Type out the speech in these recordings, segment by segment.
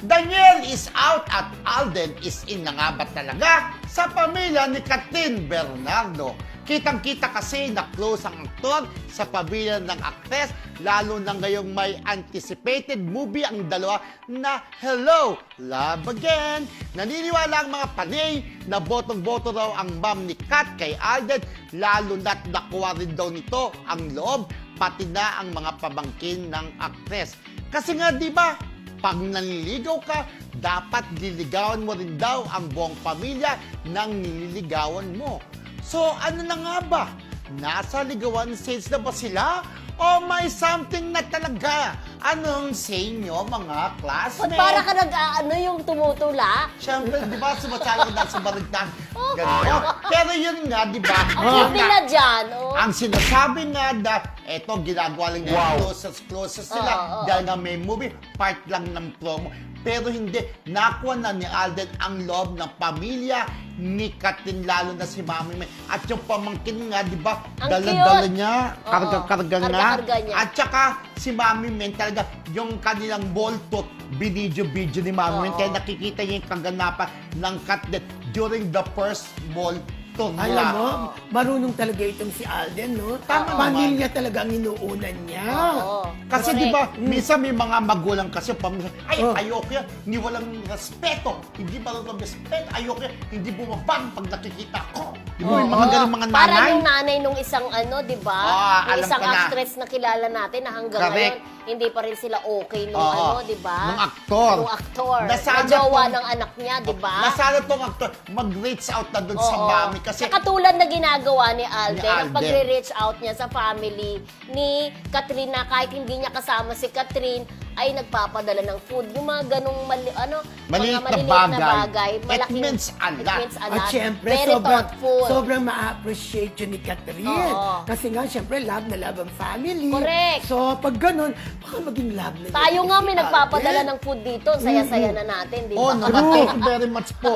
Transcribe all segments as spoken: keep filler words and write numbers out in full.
Daniel is out at Alden is in na nga ba talaga sa pamilya ni Kathryn Bernardo. Kitang-kita kasi na close ang aktor sa pamilya ng aktres, lalo na ngayong may anticipated movie ang dalawa na Hello, Love Again. Naniniwala ang mga panay na botong-boto raw ang mom ni Kat kay Alden, lalo na't nakuha rin daw nito ang loob, pati na ang mga pamangkin ng aktres. Kasi nga, di ba, pag nanliligaw ka, dapat liligawan mo rin daw ang buong pamilya ng nililigawan mo. So, ano na nga ba? Nasa ligawan stage na ba sila? O may something na talaga? Anong sa inyo, mga classmates? Ba't para ka nag-ano yung tumutula? Siyempre, di ba, sumasali na sa baligtad. Ganito. Pero yun nga, di ba? Ang cute nila dyan, oh. Ang sinasabi nga na, eto, ginagawa lang wow. closest, closest sila. Oo, oo. Dahil nga may movie, part lang ng promo. Pero hindi, nakuha na ni Alden ang loob ng pamilya ni Kathryn, lalo na si Mami May. At yung pamangkin nga, di ba, Ang dala-dala cute. niya, Oo, karga-karga nga. karga-karga niya. At saka, si Mami May talaga, yung kanilang balltot, binidyo-bidyo ni Mami May. Oo. Kaya nakikita niya yung kaganapan ng Kathryn during the first ball tour nila. Alam mo, marunong talaga itong si Alden, no? Tama Pamilya talaga ang inuunan niya. Oo. Kasi Correct. di ba, minsan may mga magulang kasi pamilya, ay, Oh. ayoko yan, hindi walang respeto, hindi marunong respeto, ayoko yan, hindi bumabang pag nakikita ko. Di ba, may mga Oo. ganun mga Parang nanay? yung nanay nung isang ano, di ba? Ah, yung alam isang ko na. actress na kilala natin na hanggang Correct. ngayon, hindi pa rin sila okay nung Oo. ano, di ba? Nung aktor. Nung aktor. Nasana Na jowa tong- ng anak niya, di ba? Nasana tong actor, mag-reach out na dun sa Oo. mami kasi Saka tulad na ginagawa ni Alden, Ni ang Alden. pagre-reach out niya sa family ni Kathryn na kahit hindi niya kasama si Kathryn, ay nagpapadala ng food. Yung mga ganong mali, ano, Maliit mga na maliliit bagay. na bagay. It malaking- means a it lot. means a At lot. syempre, Very sobrang, thoughtful. sobrang ma-appreciate yun ni Kathryn. Oo. Kasi nga, syempre, love na love ang family. Correct. So, pag ganun, baka maging love na Tayo yun nga si may nagpapadala Alden. ng food dito. Saya-saya na natin, di oh, ba? no, thank you very much po.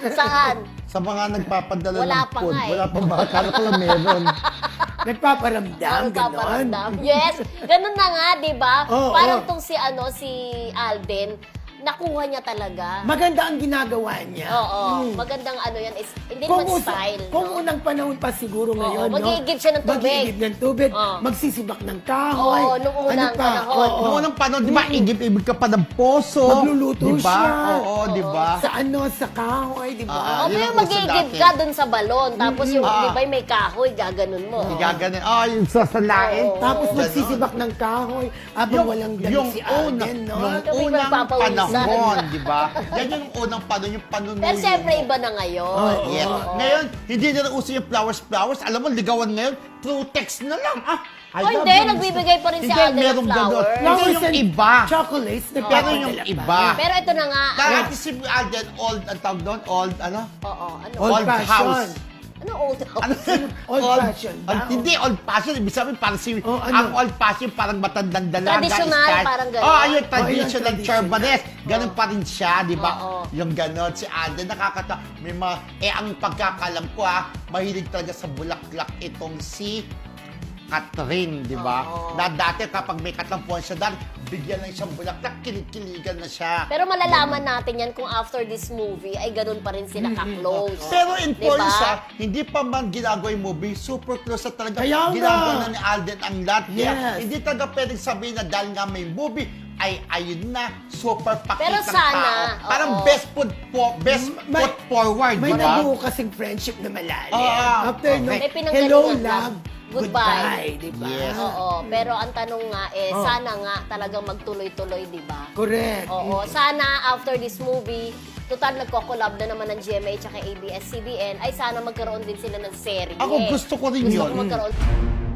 Saan? Sa mga nagpapadala Wala ng pa food. nga eh. Wala pa ba? Akala ko lang meron. Nagpaparamdam, Ang ganon. paparamdam. Yes, ganun na nga, di ba? Oo, Parang oo. tong si, ano, si Alden, nakuha niya talaga. Maganda ang ginagawa niya. Oo, Mm. magandang ano yan, is, hindi Kung, naman usa- style. kung no? unang panahon pa siguro ngayon, no? mag-iigib siya ng tubig. Mag-iigib ng tubig, Oo. magsisibak ng kahoy. Oo, nung unang ano pa? panahon. Oo. Noong unang panahon, di ba, igib-ibig ka pa ng poso. Magluluto di ba? siya. Oo, di ba? Sa ano, sa kahoy, di ba? Ah, O yun kaya ang uso mag-iigib dati. ka dun sa balon, tapos yung, Ah. di ba, may kahoy, gaganon mo. Igaganin. Ah, yung sasalain. Oo. Tapos Ganon. magsisibak ng kahoy habang walang damit yung si una, Alden, no? nung Kami unang magpapawisan. panahon, di ba? Yan yung unang panahon, yung panunuyo Pero siyempre, mo. iba na ngayon. Oo. Yes. Oo. Ngayon, hindi na rin uso yung flowers-flowers. Alam mo, ligawan ngayon, through text na lang. Ah, I Oh, love hindi, you. nagbibigay pa rin si Hindi, Alden ng merong ganon. flowers. Pero Flowers yung and iba. Chocolates, Pero nagpapadala yung pa. iba. Pero ito na nga. Dati si Alden, old, ang tawag doon, old, ano? Oo, ano? Old Old fashion. house. Ano old Ano? Old fashion ba? Old- hindi, old fashion. Ibig sabihin, parang si, Oh, ano? ang old fashion, parang matandang dalaga. Traditional, style. parang ganon. Oh, ayun, Oh, ayun, traditional traditional. Charbanes. Ganun pa rin siya, di ba? Oo. Yung ganon, si Alden, nakakata. May mga, eh, ang pagkakalam ko, ha, mahilig talaga sa bulaklak itong si Kathryn, di ba? Oo. Na dati kapag may katampuan siya dahil, bigyan lang siyang bulaklak, kilig-kiligan na siya. Pero malalaman natin yan kung after this movie ay ganun pa rin sila ka-close. Pero in Diba? fairness, ha, hindi pa man ginagawa yung movie, super close na talaga. Kaya nga. Ginagawa na ni Alden ang lahat. Kaya Yes. hindi talaga pwedeng sabihin na dahil nga may movie, ay ayun na, super pakitang Pero sana, tao. Parang oo. best foot, po, best May- foot forward, May di ba? nabuo kasing friendship na malalim. Ah, After okay. nung May pinanggalingan hello, lang. love, Goodbye. goodbye, di ba? Yes. Oo, pero ang tanong nga eh, Oh. sana nga talagang magtuloy-tuloy, di ba? Correct. Oo, sana after this movie, total nagko-collab na naman ng G M A at A B S C B N, ay sana magkaroon din sila ng serye. Ako gusto ko rin Gusto yun. ko magkaroon.